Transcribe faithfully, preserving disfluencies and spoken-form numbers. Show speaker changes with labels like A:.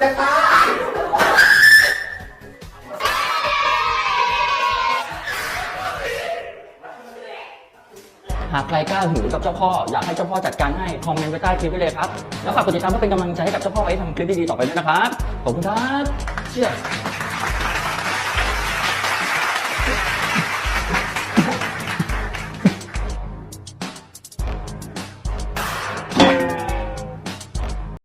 A: จะตาย
B: หากใครกล้าหือกับเจ้าพ่ออยากให้เจ้าพ่อจัดการให้คอมเมนต์ไว้ใต้คลิปไว้เลยครับแล้วฝากกดติดตามเพื่อเป็นกำลังใจให้กับเจ้าพ่อไว้ทำคลิปดีๆต่อไปด้วยนะครับขอบคุณครับเชื่อ